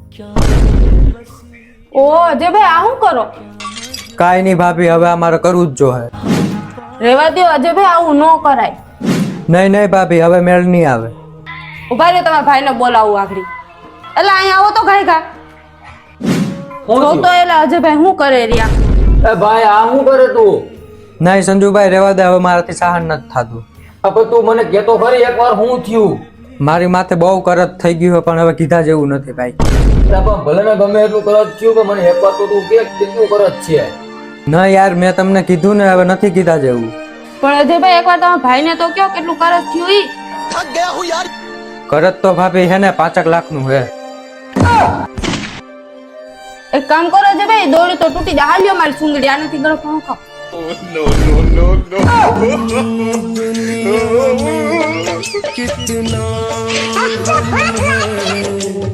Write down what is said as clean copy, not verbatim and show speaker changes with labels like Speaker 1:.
Speaker 1: ઓ અજયભાઈ આ શું કરો?
Speaker 2: કાંઈ નહીં ભાભી, હવે અમારે કરવું જ જોઈએ.
Speaker 1: રેવા દો અજયભાઈ, આવું ન કરાય.
Speaker 2: નહીં નહીં ભાભી, હવે મેળ નહીં આવે.
Speaker 1: ઉભા રહ્યો, તમારા ભાઈને બોલાવું આગળ. એટલે અહીંયા આવો તો ઘાય ઘા. જો તો એટલે અજયભાઈ શું કરે રહ્યા?
Speaker 3: એ ભાઈ આ શું કરે તું?
Speaker 2: નહીં સંજુભાઈ, રહેવા દે, હવે મારાથી સહન નથી થતું.
Speaker 3: હવે તું મને કહેતો ખરી એકવાર શું થયું?
Speaker 2: મારી માથે બહુ કરત થઈ ગયું છે, પણ હવે કીધા જેવું નથી ભાઈ.
Speaker 3: પણ ભલે ને ગમે એટલું કરત થયું, પણ મને એકવાર તો તું કે કેટલું કરત છે.
Speaker 2: ના યાર, મેં તમને કીધું ને, હવે નથી કીધા જેવું.
Speaker 1: પણ અજયભાઈ એકવાર તમારા ભાઈને તો કયો કેટલું કરજ થયું ઈ.
Speaker 2: કરત તો ભાભી હે ને 5 લાખનું હે.
Speaker 1: એક કામ કરો અજયભાઈ, દોડી તો તૂટી જાય. હાલ્યો મારી સુંગડી, આનાથી ગળો પંખો.
Speaker 4: कितना